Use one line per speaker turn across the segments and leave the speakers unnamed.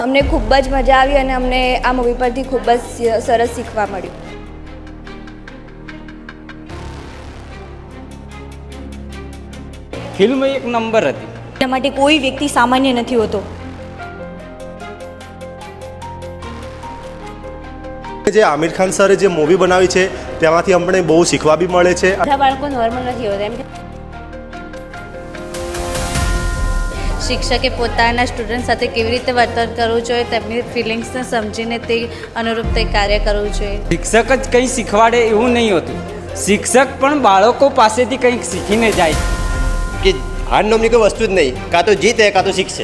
અમને ખૂબ જ મજા આવી અને અમને આ મૂવી પરથી ખૂબ જ સરસ શીખવા મળ્યું.
ફિલ્મ એક નંબર હતી.
એના માટે કોઈ વ્યક્તિ સામાન્ય નથી હોતો.
જે આમિર ખાન સરે જે મૂવી બનાવી છે તેમાંથી અમને બહુ શીખવા બી મળે છે.
બધા બાળકો નોર્મલ નથી હોતા એમ કે
શિક્ષકે પોતાના સ્ટુડન્ટ સાથે કેવી રીતે વર્તન કરવું જોઈએ, તેમની ફિલિંગ્સને સમજીને તે અનુરૂપ તે કાર્ય કરવું જોઈએ.
શિક્ષક જ કંઈ શીખવાડે એવું નહીં હોતું. શિક્ષક પણ બાળકો પાસેથી કંઈક શીખીને જાય
કે હાર નામની કોઈ વસ્તુ જ નહીં, કાં તો જીતે કાં તો શીખશે.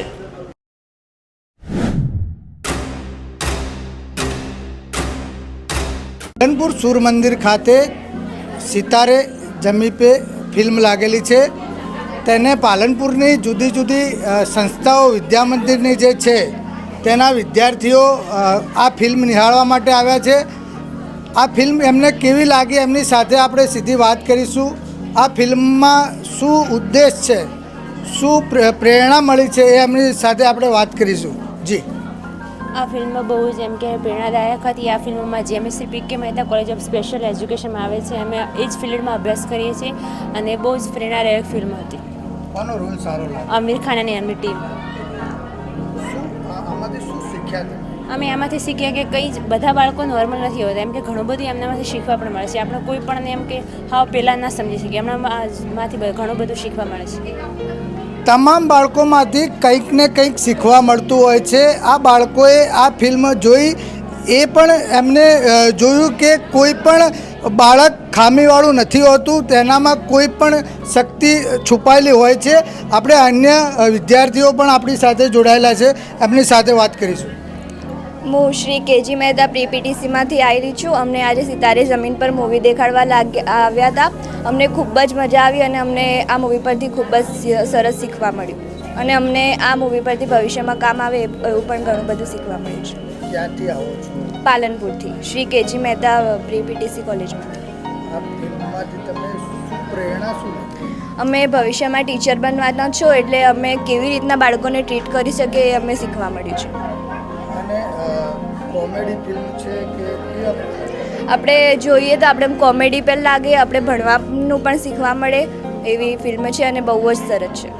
પાલનપુર સૂર્ય મંદિર ખાતે સિતારે જમી પે ફિલ્મ લાગેલી છે. તેને પાલનપુરની જુદી જુદી સંસ્થાઓ વિદ્યા મંદિરની જે છે તેના વિદ્યાર્થીઓ આ ફિલ્મ નિહાળવા માટે આવ્યા છે. આ ફિલ્મ એમને કેવી લાગી એમની સાથે આપણે સીધી વાત કરીશું. આ ફિલ્મમાં શું ઉદ્દેશ છે, શું પ્રેરણા મળી છે એ એમની સાથે આપણે વાત કરીશું. જી,
આ ફિલ્મ બહુ જ એમ કે પ્રેરણાદાયક હતી. આ ફિલ્મમાં જેએમએસસી પી કે મહેતા કોલેજ ઓફ સ્પેશિયલ એજ્યુકેશનમાં આવે છે. અમે એ જ ફિલ્ડમાં અભ્યાસ કરીએ છીએ અને બહુ જ પ્રેરણાદાયક ફિલ્મ હતી.
કોનો રોલ સારો લાગે?
આમિર ખાન અને એમની ટીમ.
આમાંથી શું શીખ્યા તમે?
અમે એમાંથી શીખ્યા કે કંઈ જ બધા બાળકો નોર્મલ નથી હોતા એમ કે ઘણું બધું એમનામાંથી શીખવા પણ મળે છે. આપણે કોઈ પણ એમ કે હા પહેલાં ના સમજી શકીએ, એમનામાંથી ઘણું બધું શીખવા મળે છે.
તમામ બાળકોમાંથી કંઈક ને કંઈક શીખવા મળતું હોય છે. આ બાળકોએ આ ફિલ્મ જોઈ એ પણ એમને જોયું કે કોઈ પણ બાળક ખામીવાળું નથી હોતું, તેનામાં કોઈ પણ શક્તિ છુપાયેલી હોય છે. આપણે અન્ય વિદ્યાર્થીઓ પણ આપણી સાથે જોડાયેલા છે, એમની સાથે વાત કરીશું.
હું શ્રી કેજી મહેતા પ્રી પીટીસીમાંથી આવી છું. અમને આજે સિતારે જમીન પર મૂવી દેખાડવા આવ્યા હતા. અમને ખૂબ જ મજા આવી અને અમને આ મૂવી પરથી ખૂબ જ સરસ શીખવા મળ્યું અને અમને આ મૂવી પરથી ભવિષ્યમાં કામ આવે એવું પણ ઘણું બધું શીખવા મળ્યું છે.
ક્યાંથી આવો છો?
પાલનપુરથી Shri KG Mehta pre PTC કોલેજમાંથી.
આ ફિલ્મમાંથી તમે શું પ્રેરણા શું લીધી?
અમે ભવિષ્યમાં ટીચર બનવાના છો એટલે અમે કેવી રીતના બાળકોને ટ્રીટ કરી શકીએ એ અમને શીખવા મળ્યું છે.
અને કોમેડી ફિલ્મ છે કે
આપણે જોઈએ તો આપણે કોમેડી પણ લાગે, આપણે ભણવાનું પણ શીખવા મળે એવી ફિલ્મ છે અને બહુ જ સરસ છે.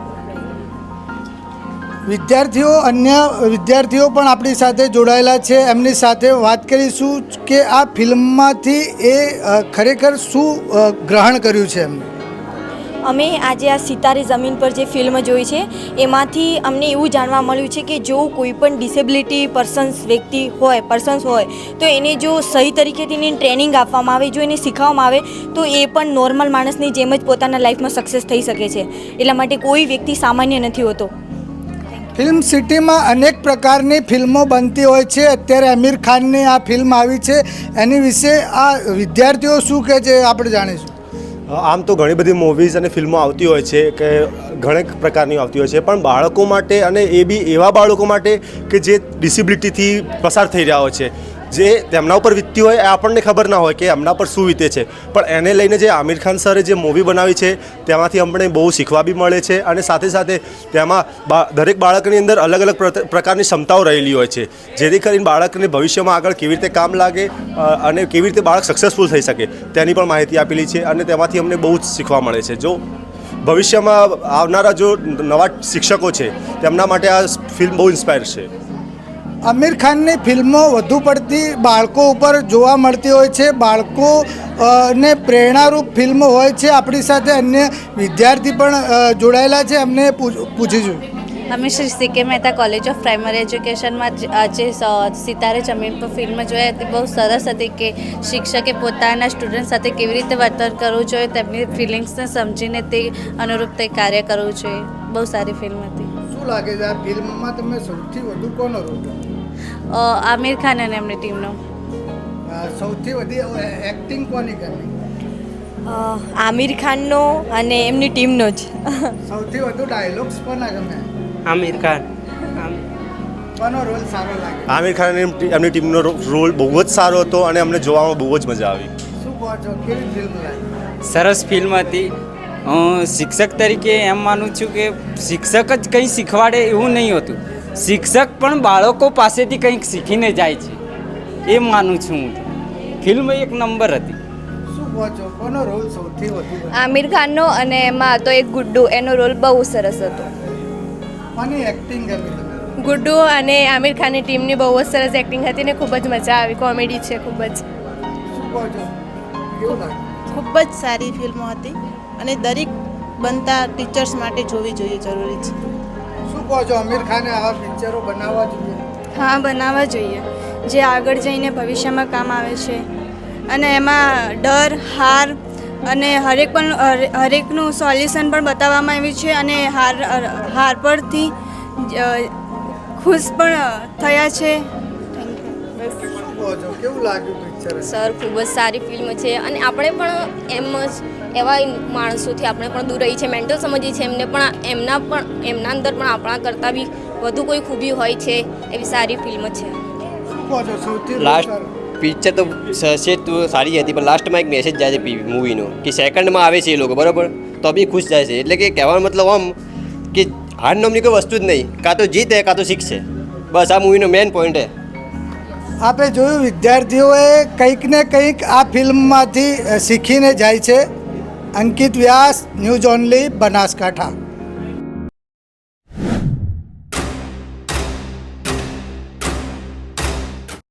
અન્ય વિદ્યાર્થીઓ પણ આપણી સાથે જોડાયેલા છે, એમની સાથે વાત કરીશું કે આ ફિલ્મમાંથી એ ખરેખર શું ગ્રહણ કર્યું છે એમને.
અમે આજે આ સિતારે જમીન પર જે ફિલ્મ જોઈ છે એમાંથી અમને એવું જાણવા મળ્યું છે કે જો કોઈ પણ ડિસેબિલિટી પર્સન્સ હોય તો એને જો સહી તરીકેથી એની ટ્રેનિંગ આપવામાં આવે, જો એને શીખવવામાં આવે તો એ પણ નોર્મલ માણસની જેમ જ પોતાના લાઈફમાં સક્સેસ થઈ શકે છે. એટલા માટે કોઈ વ્યક્તિ સામાન્ય નથી હોતો.
ફિલ્મ સિટીમાં અનેક પ્રકારની ફિલ્મો બનતી હોય છે. અત્યારે આમિર ખાનની આ ફિલ્મ આવી છે, એની વિશે આ વિદ્યાર્થીઓ શું કહે છે આપણે જાણીશું.
આમ તો ઘણી બધી મૂવીઝ અને ફિલ્મો આવતી હોય છે કે ઘણી પ્રકારની આવતી હોય છે, પણ બાળકો માટે અને એ બી એવા બાળકો માટે કે જે ડિસેબિલિટીથી પસાર થઈ રહ્યા હોય છે, જે તેમના ઉપર વીતતી હોય એ આપણને ખબર ના હોય કે એમના પર શું વીતે છે, પણ એને લઈને જે આમિર ખાન સરે જે મૂવી બનાવી છે તેમાંથી અમને બહુ શીખવા બી મળે છે. અને સાથે સાથે તેમાં દરેક બાળકની અંદર અલગ અલગ પ્રકારની ક્ષમતાઓ રહેલી હોય છે, જેથી કરીને બાળકને ભવિષ્યમાં આગળ કેવી રીતે કામ લાગે અને કેવી રીતે બાળક સક્સેસફુલ થઈ શકે તેની પણ માહિતી આપેલી છે. અને તેમાંથી અમને બહુ જ શીખવા મળે છે. જો ભવિષ્યમાં આવનારા જો નવા શિક્ષકો છે તેમના માટે આ ફિલ્મ બહુ ઇન્સ્પાયર છે.
આમિર ખાનની ફિલ્મો વધુ પડતી બાળકો ઉપર જોવા મળતી હોય છે, બાળકો ને પ્રેરણારૂપ ફિલ્મો હોય છે. આપણી સાથે અન્ય વિદ્યાર્થી પણ જોડાયેલા છે, એમને પૂછીશું.
અમે Shri CK Mehta college of primary એજ્યુકેશનમાં જે સિતારે જમીન પર ફિલ્મ જોઈ હતી બહુ સરસ હતી કે શિક્ષકે પોતાના સ્ટુડન્ટ સાથે કેવી રીતે વર્તન કરવું જોઈએ, તેમની ફિલિંગ્સને સમજીને તે અનુરૂપ તે કાર્ય કરવું જોઈએ. બહુ સારી ફિલ્મ હતી.
શું લાગે છે આ ફિલ્મમાં તમે સૌથી વધુ કોનો રોલ?
આમિર ખાન અને એમની ટીમનો.
સૌથી વધુ એક્ટિંગ કોની કરી?
આમિર ખાનનો અને એમની ટીમનો જ.
સૌથી વધુ ડાયલોગ્સ કોના ગમે?
આમિર ખાન.
કોનો રોલ સારો લાગે?
આમિર ખાન અને એમની ટીમનો રોલ બહુ જ સારો હતો અને અમને જોવામાં બહુ જ મજા આવી.
શું કહો છો, કેવી ફિલ્મ લાગી?
સરસ ફિલ્મ હતી. હું શિક્ષક તરીકે એમ માનું છું કે શિક્ષક જ કંઈ શીખવાડે એવું નહીં હોતું. શિક્ષક પણ બાળકો પાસેથી કંઈક શીખીને જાય છે એ માનું છું હું તો. ફિલ્મ એક નંબર હતી.
શું કહો છો, કોનો રોલ સૌથી વધુ ગમ્યો?
આમિર ખાનનો, અને એમાં તો એક ગુડ્ડુ, એનો રોલ બહુ સરસ હતો.
કોની એક્ટિંગ ગમી તમને?
ગુડ્ડુ અને આમિર ખાનની ટીમની બહુ જ સરસ એક્ટિંગ હતી ને ખૂબ જ મજા આવી. કોમેડી છે ખૂબ જ.
શું કહો છો, કેવું લાગ્યું?
ખૂબ જ સારી ફિલ્મો હતી અને દરેક બનતા ટીચર્સ માટે જોવી જોઈએ, જરૂરી છે.
શું કહો છો, આમિર ખાને આવા પિક્ચરો બનાવવા જોઈએ?
હા, બનાવવા જોઈએ, જે આગળ જઈને ભવિષ્યમાં કામ આવે છે. અને એમાં ડર, હાર અને હરેકનું સોલ્યુશન પણ બતાવવામાં આવ્યું છે. અને હાર પરથી ખુશ પણ થયા છે.
શું કહો છો, કેવું લાગ્યું પિક્ચર?
સર ખૂબ જ સારી ફિલ્મ છે અને આપણે પણ એમ જ એવા માણસોથી આપણે પણ દૂર રહી છે, મેન્ટલ સમજીએ છીએ એમને પણ એમના અંદર પણ આપણા કરતાં બી વધુ કોઈ ખૂબી હોય છે. એવી સારી ફિલ્મ છે.
શું કહો છો, સૌથી
લાસ્ટ પિક્ચર તો છે તો સારી હતી, પણ લાસ્ટમાં એક મેસેજ જાય છે મૂવીનો કે સેકન્ડમાં આવે છે એ લોકો, બરાબર, તો બી ખુશ જાય છે. એટલે કે કહેવાનો મતલબ આમ કે હાર નામની કોઈ વસ્તુ જ નહીં, કાં તો જીતે કાં તો શીખશે. બસ આ મૂવીનો મેઇન પોઈન્ટ છે.
આપે જોયું, વિદ્યાર્થીઓએ કંઈક ને કંઈક આ ફિલ્મમાંથી શીખીને જાય છે. Ankit Vyas, news only, Banaskantha.